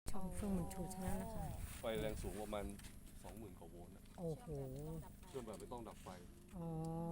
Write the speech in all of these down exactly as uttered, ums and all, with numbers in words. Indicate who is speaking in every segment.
Speaker 1: ช่องเฟื่องบุญชูชาแนลนะคะ
Speaker 2: ไฟแรงสูงประมาณสองหมื่นกว่าโวลต์นะ
Speaker 1: โอ้โห
Speaker 2: เครื่องแบบไม่ต้องดับไฟ
Speaker 1: อ๋อ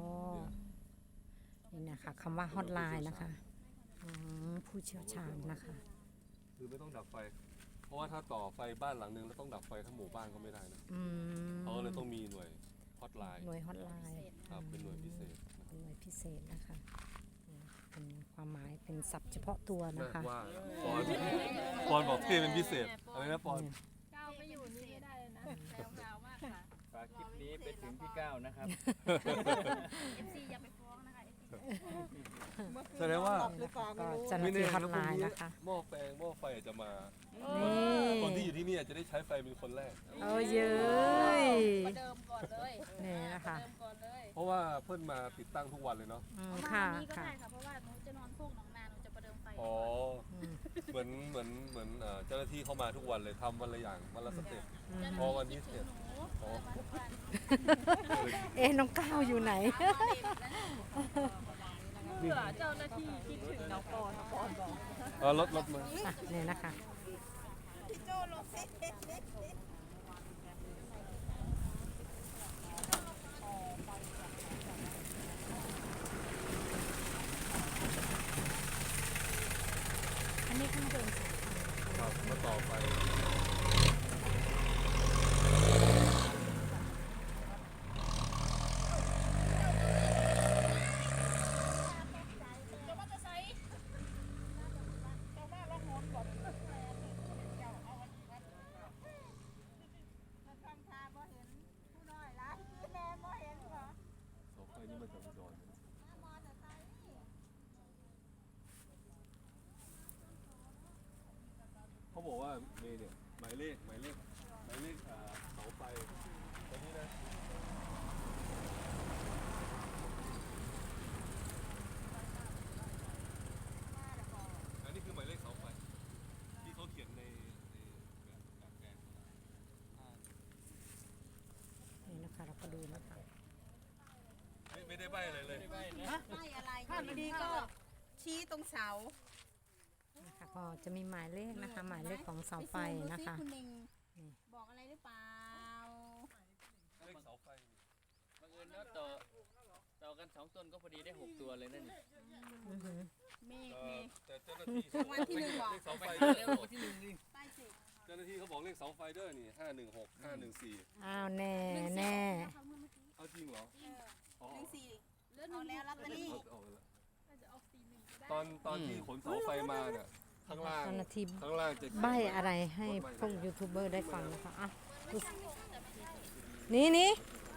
Speaker 2: เนี่ย
Speaker 1: นี่นะคะคำว่าฮอตไลน์นะคะอืมผู้เชี่ยวชาญนะคะ
Speaker 2: คือไม่ต้องดับไฟ เพราะว่าถ้าต่อไฟบ้านหลังนึงแล้วต้องดับไฟทั้งหมู่บ้านก็ไม่ได้นะ
Speaker 1: อืม
Speaker 2: เขาก็เลยต้องมีหน่วยฮอตไลน์
Speaker 1: หน่วยฮอตไลน์
Speaker 2: ครับเป็นหน่วยพิเศษนะ
Speaker 1: เป็นหน่วยพิเศษนะคะนี่เป็นความหมายเป็นศัพท์เฉพาะตัวนะคะ
Speaker 2: ว่าปอนปอนบอกเท่เป็นพิเศษอะไรนะปอน
Speaker 3: ก้าวไม่อยู่นี่ไม่ได้เลยนะแซวกาวมากค่ะ
Speaker 4: ฝากคลิปนี้ไปถึงพี่ก้าวนะครับ
Speaker 3: เอฟซีอย่าไปฟ้องนะคะเอฟซี
Speaker 2: แสดงว่า
Speaker 1: ก็เจ้าหน้าที่ฮอตไลน์นะคะ
Speaker 2: หม้อแปลงหม้อไฟอาจจะมา
Speaker 1: นี่
Speaker 2: คนที่อยู่ที่นี่อาจจะได้ใช้ไฟเป็นคนแรก
Speaker 1: เอาเย้ย
Speaker 3: ประเดิมก่อนเลย
Speaker 1: นี่นะคะ
Speaker 3: ประเดิมก่อนเลย
Speaker 2: เพราะว่าเพิ่นมาติดตั้งทุกวันเลยเนาะ
Speaker 1: อืม
Speaker 3: เอามา
Speaker 1: ค่ะ
Speaker 3: วันนี้ก็
Speaker 1: ค่ะ
Speaker 3: ได้ค่ะเพราะว่าหนูจะนอนพวกหนองนาหนูจะประเดิมไฟ
Speaker 2: อ๋อ
Speaker 1: อืม
Speaker 2: เหมือนเหมือนเหมือนเอ่อเจ้าหน้าที่เข้ามาทุกวันเลยทำวันละอย่างวันละสเต็ป
Speaker 1: อืม
Speaker 2: พอวันนี้เสร็จ
Speaker 3: หนูเออมาทุกวัน
Speaker 1: เอ๊ะน้องก้าวอยู่ไหน
Speaker 3: เพื่อเจ้าหน้าที่คิดถึงน้องปอนปอนบอก
Speaker 2: เออรถรถมา
Speaker 1: อ่ะนี่นะคะ อันนี้ข้างบนสายไฟ
Speaker 2: ครับมาต่อไป เสาไฟนี่มาจากอุดรนะเขาบอกว่าเมย์เนี่ยหมายเลขหมายเลขหมายเลขอ่าเสาไฟตัวนี้นะอันนี้คือหมายเลขเสาไฟที่เขาเขียนในในแบบแบบแปลนอ่า
Speaker 1: นี่นะคะเราก็ดูนะคะ
Speaker 2: ไม่ไม่ได้ใบอะไรเลย
Speaker 5: ไม่อะไรถ้าไม่ดีก็ชี้ตรงเสา
Speaker 1: นะคะก็จะมีหมายเลขนะคะ หมายเลขของเสาไฟนะคะ
Speaker 5: ไปซูมดูสิคุณเน่ง
Speaker 1: นี่
Speaker 5: บอกอะไรหรือเปล่า
Speaker 2: เลขเสาไฟ
Speaker 4: บังเอิญว่าต่อต่อกันสองต้นก็พอดีได้หกตัวเลยนั่นนี่
Speaker 1: อือหือ
Speaker 5: เมฆ
Speaker 2: เอ่
Speaker 5: เม
Speaker 2: อ
Speaker 5: ฆ
Speaker 2: แต่เจ้าหน้าที่
Speaker 5: รางวัลที่หนึ่งบอก
Speaker 2: เลขเสาไฟ
Speaker 4: ไป
Speaker 2: เด้
Speaker 4: แล้
Speaker 2: อ
Speaker 4: วที่หนึ่งนี่
Speaker 5: ใต้สิ
Speaker 2: เจ้าหน้าที่เขาบอกเลขเสาไฟเด้อนี่ห้าหนึ่งหกห้าหนึ่งสี่
Speaker 1: อ้าวแน่แน่
Speaker 2: เอาจริงเหรอ
Speaker 5: เออ
Speaker 2: อ๋อ
Speaker 5: หนึ่งสี่
Speaker 3: เลื่อน
Speaker 5: เอาแล้วลอตเตอรี่
Speaker 2: เอาเอาละ
Speaker 3: จะออกสี่หนึ่งก็ได้
Speaker 2: ตอนตอนที่ขนเสาไฟมาเนี่ยข้างล่าง
Speaker 1: เจ้าหน้าที่
Speaker 2: ข้างล่างจะ
Speaker 1: ใบอะไรให้พวกยูทูบเบอร์ได้ฟังนะคะอ่ะดูสินี่นี่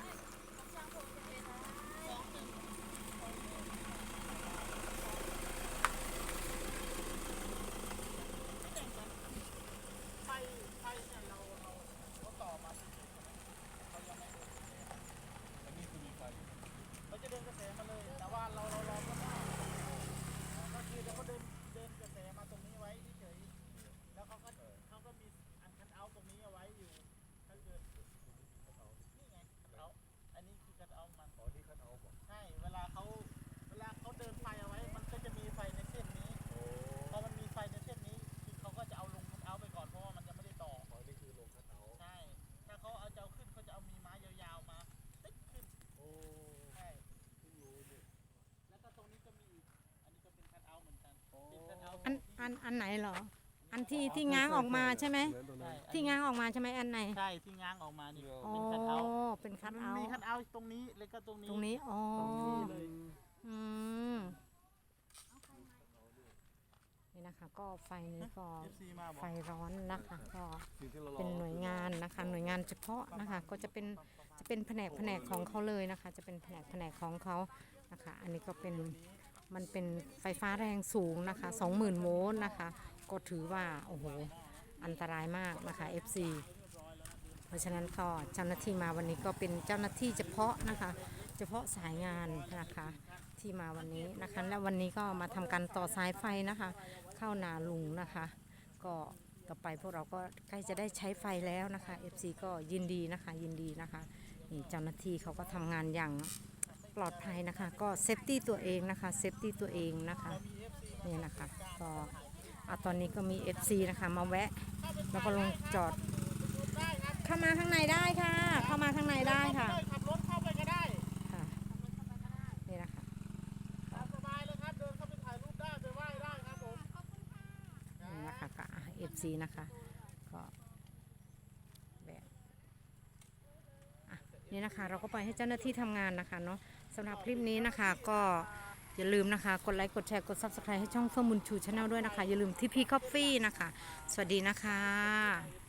Speaker 1: อันอันอันไหนเหรอ อันที่ที่ง้างออกมาใช่ไหม
Speaker 2: เหมือนตรงนั้น
Speaker 1: ที่ง้างออกมาใช่ไหมอันไหน
Speaker 6: ใช่ที่ง้างออกมานี่
Speaker 1: อ๋อ
Speaker 6: เป็นคัทเอาท์
Speaker 1: เป็นคัท
Speaker 6: มัน
Speaker 1: เอา
Speaker 6: มี
Speaker 1: ท์
Speaker 6: คัทเอาท์ตรงนี้แล้วก็ตรงนี้
Speaker 1: ตรงนี้อ๋อ
Speaker 6: เลย
Speaker 1: อืมนี่นะคะ ก็ไฟนี้ก็
Speaker 6: เอฟซีมาบอ
Speaker 1: ไฟ
Speaker 6: ก
Speaker 1: ร้อนนะคะก็
Speaker 2: สิ่งที่เรารอ
Speaker 1: เป็นหน่วยงานนะคะ หน่วยงานเฉพาะนะคะ ก็จะเป็นจะเป็นแผนกแผนกของเขาเลยนะคะ จะเป็นแผนกแผนกของเขานะคะ อันนี้ก็เป็นมันเป็นไฟฟ้าแรงสูงนะคะสองหมื่นโวลต์นะคะ ก็ถือว่าโอ้โหอันตรายมากนะคะ เอฟ ซี เพราะฉะนั้นก็เจ้าหน้าที่มาวันนี้ก็เป็นเจ้าหน้าที่เฉพาะนะคะ เฉพาะสายงานนะคะที่มาวันนี้นะคะ และวันนี้ก็มาทำการต่อสายไฟนะคะ เข้านาลุงนะคะ ก็ต่อไปพวกเราก็ใกล้จะได้ใช้ไฟแล้วนะคะ เอฟ ซี ก็ยินดีนะคะยินดีนะคะนี่เจ้าหน้าที่เขาก็ทำงานอย่างปลอดภัยนะคะ ก็เซฟตี้ตัวเองนะคะเซฟตี้ตัวเองนะคะนี่นะคะก็อ่ะตอนนี้ก็มี เอฟ ซี นะคะมาแวะ แล้วก็ลงจอด เข้ามาข้างในได้ค่ะ เข้ามาข้างในได้ค่ะ
Speaker 6: ขับรถเข้าไปก็ได้
Speaker 1: ค่ะนี่นะคะ
Speaker 6: ตามสบายเลยครับ เดินเข้าไปถ่ายรูปได้ไปไหว้ได้ครับผม
Speaker 1: นี่นะคะก็ เอฟ ซี นะคะก็แบบอ่ะนี่นะคะเราก็ปล่อยให้เจ้าหน้าที่ทำงานนะคะเนาะสำหรับคลิปนี้นะคะก็อย่าลืมนะคะกดไลค์กดแชร์กด ซับสไครบ์ ให้ช่องเฟื่องบุญชูชาแนลด้วยนะคะอย่าลืมทีพีคอฟฟี่นะคะสวัสดีนะคะ